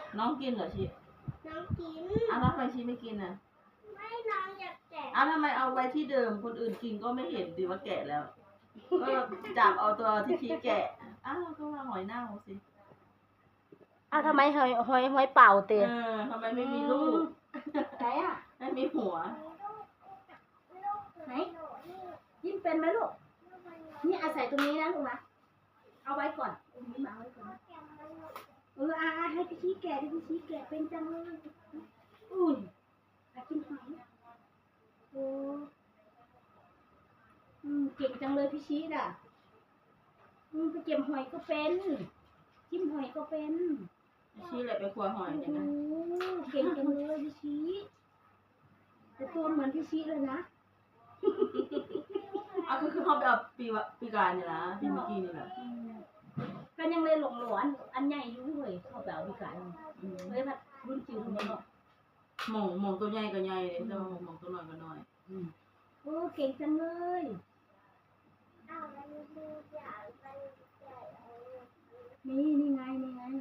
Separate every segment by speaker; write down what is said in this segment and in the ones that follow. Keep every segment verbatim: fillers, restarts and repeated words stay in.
Speaker 1: น้องกินเหรอชี
Speaker 2: น้องกิน
Speaker 1: อ้าวทำไมชีไม่กินอ่ะ
Speaker 2: ไม่น้องอยากแกะ
Speaker 1: อ้าวทำไมเอาไว้ที่เดิมคนอื่นกินก็ไม่เห็นดีว่าแกะแล้วก็จับเอาตัวที่ชีแกะอ้าวก็ว่าหอยเน่าสิ
Speaker 3: อ้าวทำไมหอยหอยหอยเป่าเตะ
Speaker 1: เออทำไมไม่มีลูก
Speaker 3: ไหนอ่ะ
Speaker 1: ไม่มีหัว
Speaker 3: ไหนยิ้มเป็นไหมลูกนี่อาศัยตรงนี้นะลูกนะเอาไว้ก่อนตรงนี้มาไว้ก่อนเอออาให้พี่ชี้แกะให้พี่ชี้แกะเป็นจังเลยอุ้ยอากินหอยโอ้อืมเก่งจังเลยพี่ชี้น่ะอืมไปเก็บหอยก็เป็นจิ้มหอยก็เป็น
Speaker 1: ชีแหละไปครัวหอยเนี่ยนะ
Speaker 3: เก่งจังเลยพี่ชี้แต่ตัวเหมือนพี่ชี้เลยนะ
Speaker 1: อ่ะคือคือเขาไปเอาปีวะปีกายนี่นะปีเมื่อกี้นี่แหละ
Speaker 3: กันยังเลยหลงหลอนอันใหญ่ยุ่งเลยเขาไปเอาปีกายเลยพัดรุ่นจิ๋วเลยเนาะ
Speaker 1: หม่องหม่องตัวใหญ่ก็ใหญ่เลยแต่ว่าหม่องตัวน้อยก็น้อย
Speaker 3: โอ้เก่งจังเลยนี่นี่ไงนี่ไง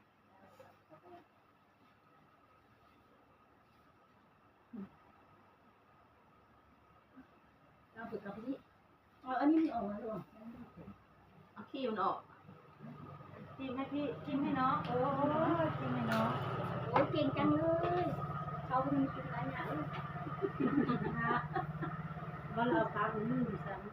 Speaker 3: เราฝึกกับพี่อ๋ออันนี้มีออกมาหรอ
Speaker 1: เอาขี้มันออกจิ้มให้พี่จิ้มให้น้องโอ้จิ้มให้น้อง
Speaker 3: โอ้เก่งจังเลยเขาเป็นกินอะไรหนาลูกว่าเราพาไปนึ่งซ้ำ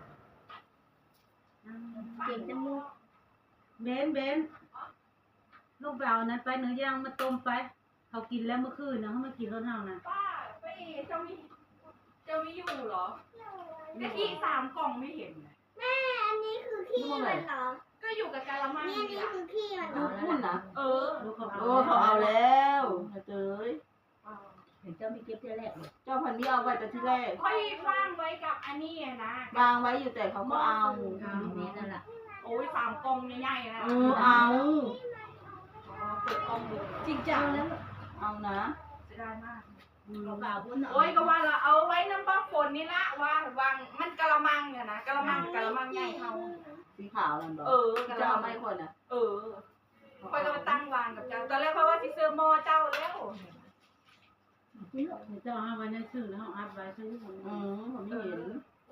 Speaker 3: เก่งจังเลย
Speaker 4: เบนเบนลูกเบานั้นไปเนื้อย่างมาต้มไปเขากินแล้วเมื่อคืนนะเขามากินรถเฮานะ
Speaker 5: ป้าไปเจ้ามีเจ้ามีอยู่เหรอแต่ที่สามกล่องไม่เห็น
Speaker 2: แม่อันนี้คือขี้มันเหรอ
Speaker 5: ก็อยู่กับกาละมัง
Speaker 2: นี่นี่คือขี้มันเหรอ
Speaker 1: พูดนะ
Speaker 5: เออ
Speaker 1: โอ้เขาเอาแล้วเจ้ย
Speaker 3: เห็นเจ้ามีเก็บเจ้าแรกเลย
Speaker 1: เจ้าพันธุ์นี้เอาไว้แต่ที่แรก
Speaker 5: ค่อยว่างไว้กับอันนี้นะ
Speaker 1: วางไว้อยู่แต่เขาก็เอา
Speaker 3: นี่นั่นแหละ
Speaker 5: โอ้ยสามกล่องใหญ่ๆนะ
Speaker 1: เออเอา
Speaker 5: เปิดกล่องดู
Speaker 3: จริงจังแล้ว
Speaker 1: เอานะ
Speaker 5: เสียดายมาก
Speaker 3: เราเปล่าพูด
Speaker 5: โอ้ยก็ว่าเราเอาไว้น้ำปลาฝนนี่ละว่าวางมันกะละมังเนี่ยนะกะละมังกะละมังใหญ่เท่า
Speaker 1: สีขาวนั่นบ่
Speaker 5: เออ
Speaker 1: จะเอาไม่คนอ่ะ
Speaker 5: เออค่อยก็มาตั้งวางกับเจ้าตอนแรกเพราะว่าที่ซื้อหม้อเจ้าแล้ว
Speaker 4: นี่เจ้าเอาไว้ในซื้อแล้วอัดไว้ซื้อผม
Speaker 1: อืมผมไม่เห็น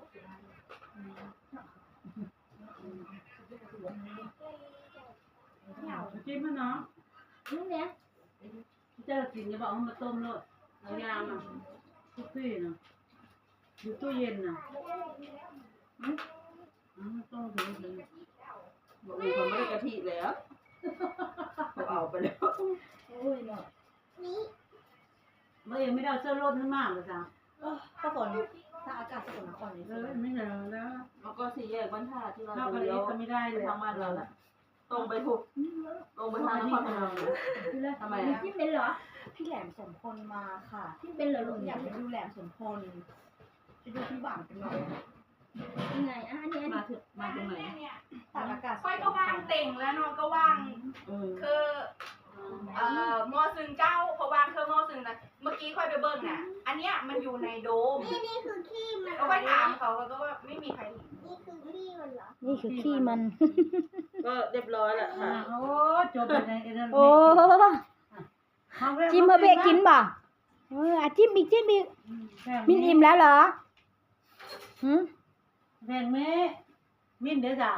Speaker 4: จิ้มให้น้อง
Speaker 3: นี่เนี่ย
Speaker 4: เจ้ากินจะบอกเอามาต้มเลยเอายามาทุกที่นะอยู่ตู้เย็นนะอืมอ๋อต้มถึงถึง
Speaker 1: บอกเลยเขาไม่ได้กะทิแล้วเขาเอาไปแล้ว
Speaker 3: โอ้ยเนาะ
Speaker 2: นี่
Speaker 4: เมื่อยังไม่ได้เอาเสื้อรถขึ้นมาเลยจ้ะ
Speaker 3: ก็ฝนถ้าอากาศสกลนครเลย
Speaker 4: เออไม่เหลือแล้ว
Speaker 1: แล้วก็สี่แยกบ้านท่าที่เรา
Speaker 4: เข้า
Speaker 1: จะ
Speaker 4: ไป
Speaker 1: เลี้ยว
Speaker 4: ก็ไม่ได้เลย
Speaker 1: ทางบ้านเราแหละตรงไปถูกตรงไปทางนครพนมทำไมอ่ะ
Speaker 3: ที่เป็นเหรอ
Speaker 6: พี่แหลมสมพลมาค่ะ
Speaker 3: ที่เป็นเหรอลูก
Speaker 6: อยากไปดูแหลมสมพลไปดูพี่หวังกันเลย
Speaker 3: ยังไงอ่ะอันนี้
Speaker 1: มาถึงมาตรงไหน
Speaker 6: ตากอากาศ
Speaker 5: ค่อยก็ว่างเต่งแล้วน้องก็ว่างคือเอ่อมอซึงเจ้าเพราะว่างคือมอซึงนะเมื่อกี้ค่อยไปเบิ้งน่ะอันเนี้ยมันอยู่ในโดม
Speaker 2: นี่นี่คือขี้มัน
Speaker 5: ก็ค่อยถามเขาก็ว่าไม่มีใครเห็น
Speaker 2: นี่คือขี้มันเหรอ
Speaker 3: นี่คือขี้มัน
Speaker 1: ก็เรียบร้อยแล้วค่ะ
Speaker 4: โอ้จบไปในเอเดน
Speaker 3: โอ้จิ้มเพื่อเบกินบ่เอออ่ะจิ้มอีกจิ้มอีกมินอิ่มแล้วเหรอหืม
Speaker 4: แพงเมมินเด้อจ้ะ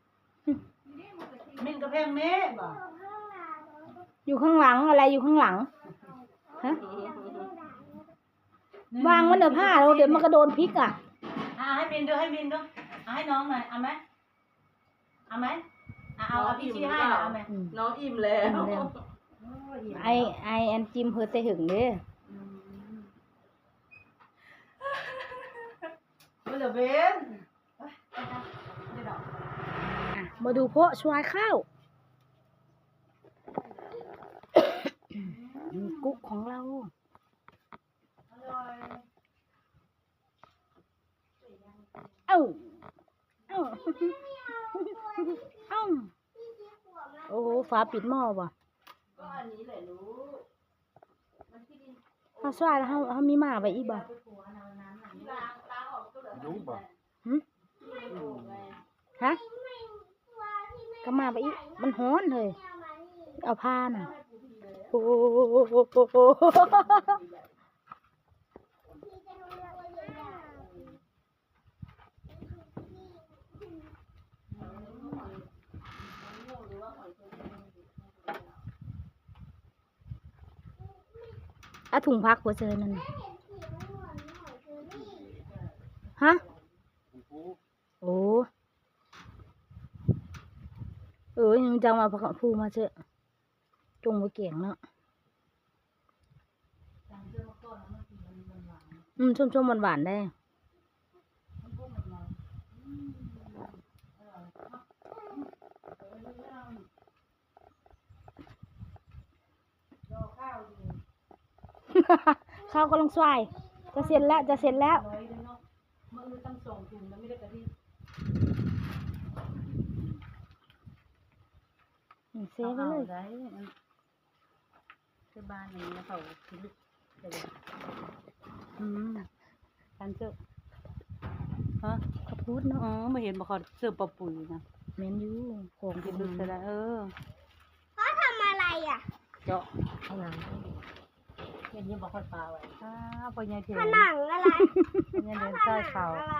Speaker 4: มินกับแพงเมบ่
Speaker 3: อยู่ข้างหลังอะไรอยู่ข้างหลังฮะวางมันเดี๋ยวผ้าเราเดี๋ยวมันกระโดนพริกอ่ะ
Speaker 4: อ่าให้มินดูให้มินดูเอาให้น้องหน่อยเอาไหมเอาไหมเอาเอาพี่ชี้ให้หน่อยเอาไหม
Speaker 1: น้องอิ่มแล้ว
Speaker 3: ไอไอแอนจิมเพื่อเตะหึงเด้
Speaker 4: เดี๋ยวเบน
Speaker 3: มาดูโพะชวายข้าวกุ๊กของเราเอ้าเอ้าเอ้าโอ้ฟ้าปิดหม้อว่ะ
Speaker 1: ก็อันนี้แหละรู้
Speaker 3: เขาสวายแล้วเขาเขามีหมาไว้อีกบ่
Speaker 1: รู้บ่
Speaker 3: ฮะก็มาไปอีกมันฮ้อนเลยเอาผ้าน่ะอ้โห
Speaker 2: พี่จะรู้แล้วว่าเรียนยาก
Speaker 3: อะถุงพักหัวเจอนั่นน่ะ
Speaker 2: เห็นสีมันเหมือนหอยเชอรี่
Speaker 3: ฮะ โอ้ เออยังจังมาพักพูมาเจอะจงมาเก่งเนาะอืมชมๆหวานๆได้ ข้าวกำลังสวยจะเสร็จแล้วจะเสร็จแล้ว
Speaker 4: ร้อยเลยเนาะมือตั้งสองถุงแล้วไม่ได้กะทิ
Speaker 3: อืมเซฟไปเลย
Speaker 4: ได้ที่บ้านอย่างนี้เขาคิดลึกจะเลย
Speaker 3: อืม
Speaker 4: การเจอฮะ
Speaker 3: ข้าวโพดเนาะ
Speaker 4: อ๋อมาเห็นบอกเขาเสิร์ฟปลาปุ๋ยนะ
Speaker 3: เมนยูของ
Speaker 4: คิ
Speaker 3: กิ
Speaker 4: ด
Speaker 3: น
Speaker 4: ลึกจะได้เออ
Speaker 2: พ่อทำอะไรอ่ะ
Speaker 4: เจาะ
Speaker 3: ข้างหลัง
Speaker 4: เห็นยังบอกคนปลาไว้อ้าวปลาใหญ่เทีย
Speaker 2: ผ
Speaker 4: น
Speaker 2: นังอะไร
Speaker 4: ปลาใหญ่เดินใต้เขา
Speaker 2: อะไร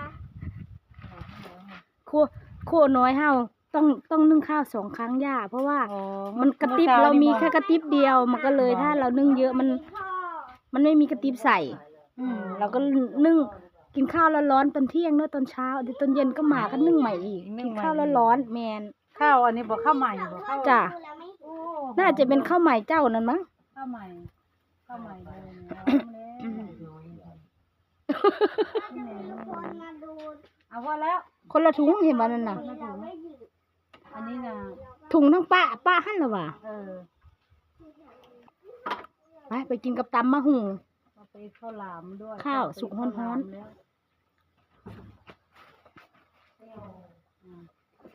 Speaker 3: โคโคน้อยเฮาต้องต้องนึ่งข้าวสองครั้งย่าเพราะว่า
Speaker 4: อ๋อ
Speaker 3: มันกระติบเรามีแค่กระติบเดียว มันก็เลยถ้าเรานึ่งเยอะมัน
Speaker 2: พ่อ
Speaker 3: มันไม่มีกระติบใส่ อืมเราก็นึ่งกินข้าวร้อนๆตอนเที่ยงเนอะตอนเช้าเดี๋ยวตอนเย็นก็มาก็นึ่งใหม่อีกกินข้าวร้อนๆแมน
Speaker 4: ข้าวอันนี้บอกข้าวใหม่บอกข้าว
Speaker 3: จ้ะ
Speaker 2: ดูแล้วไม่
Speaker 4: โอ้
Speaker 3: น่าจะเป็นข้าวใหม่เจ้านั่นมั้ง
Speaker 4: ข้าวใหม่ข้าวใหม่เลยเนี่ย
Speaker 3: อืม
Speaker 2: ทุกคนมาดู
Speaker 4: เอาว่าแล้ว
Speaker 3: คนละถุงเห็นว่านั่นน่ะ
Speaker 2: เราไม่หยุด
Speaker 4: อันนี้นะ
Speaker 3: ถุงทั้งป้าป้าหั่นละว่ะ
Speaker 4: เออ
Speaker 3: ไปไปกินกับตำมะหุง
Speaker 4: เอาไปข้าวหลามด้วย
Speaker 3: ข้าวสุกร้อนๆ
Speaker 4: ข้าวหลามแล้วอืม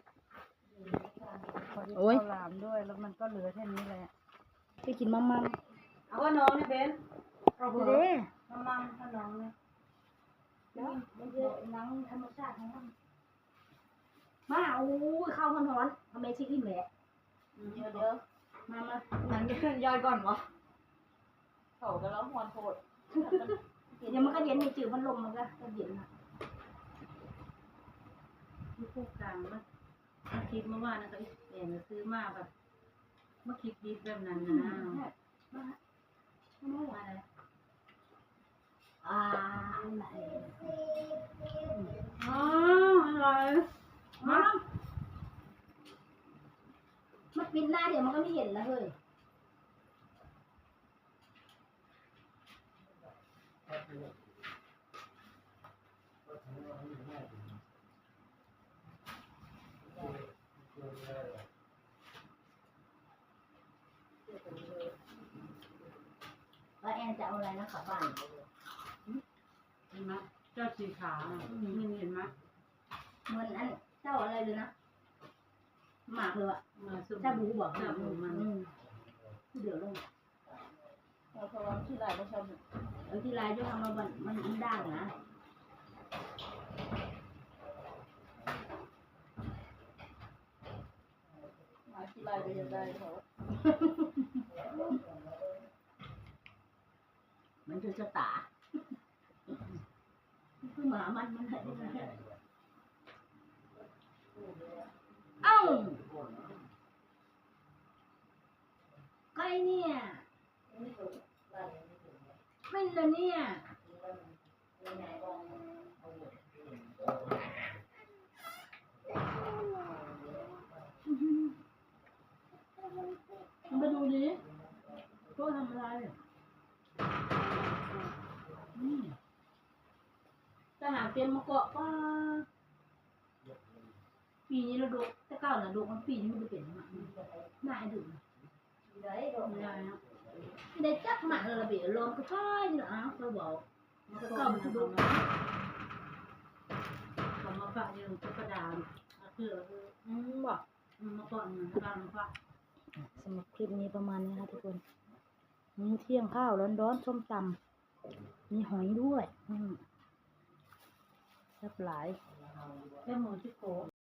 Speaker 4: พอดี
Speaker 3: โอ้ย
Speaker 4: ข้าวหลามด้วยแล้วมันก็เหลือแค่นี้แหละ
Speaker 3: ไปกินมัมมัม
Speaker 4: เอาว่าน้องนี่เบนเอา
Speaker 3: เด้
Speaker 4: เด้
Speaker 3: อ
Speaker 4: มัมมัมถ้าน้องเนี่ย
Speaker 3: แล้วมันจะหนังธรรมชาติของมันมาโอ้ยข้าวร้อนๆอเมซิอิ่มแหละ
Speaker 1: เดี๋ยวเดี๋ยว
Speaker 3: มามา
Speaker 6: หนังจะย่อยก่อนวะเขาก็แล้วหอนโคตร
Speaker 3: เดี๋ยวมันก็เย็นในจืดมันลมมันก็จะเย็นนะ
Speaker 4: ที่คู่กลางมันมันคิดเมื่อวานนะก็เอ็นซื้อมาแบบเมื่อคิดดีแบบนั้นนะ
Speaker 3: มามาอะไรอ่าอะไร
Speaker 4: อ๋ออร่อย
Speaker 3: มามันปิดหน้าเดี๋ยวมันก็ไม่เห็นแล้วเฮ้ย แล้วแอนจะเอาอะไรนะขับบ้าน
Speaker 4: เห็นไหมเจ้าสีขาวน่ะนี่เห็นไหม
Speaker 3: เหมือนอันเจ้าอะไรเลยนะหมากเลยอะ
Speaker 4: มาสุ
Speaker 3: เจ้าบูบอก
Speaker 4: เจ้าบูมัน
Speaker 3: อืมเดี๋ยวลง
Speaker 6: เราพอเราที่ไรก็ชอบ
Speaker 3: เออที่ลายจะทำมามันมันมันด่างนะ
Speaker 6: มาที่ไรก็ยังได้เขา
Speaker 3: มันจะจะตาคือหมามันมันอะไรนะเอ้าใกล้เนี่ยไม่เลยเนี่ยมาดูดิตัวทำอะไรนี่ทหารเตรียมมาเกาะป้าปีนี้เราดูแต่เก้าน่ะดูมันปีนี้มันจะเป็นหมาหน้าไอ้ดุได้ดอก
Speaker 4: ไม่ได้นะ
Speaker 3: ได้จับหมาเลยละเบียลมก็ช่อยนี่นะเขาบอกมันก็
Speaker 4: ก็
Speaker 3: เข้า
Speaker 4: มั
Speaker 3: มาน ทุ
Speaker 4: ดู
Speaker 3: ก
Speaker 4: เขามาฝากอยู่ตุ๊กตาคือ
Speaker 3: อืมบอก
Speaker 4: มาก่อนเหมือนกันฝาก
Speaker 3: สำหรับคลิปนี้ประมาณนี้ค่ะทุกคนมีเที่ยงข้าวร้อนๆส้มตำมีหอยด้วยอืมแซ่บหลาย
Speaker 4: แค่หมูที่โกะ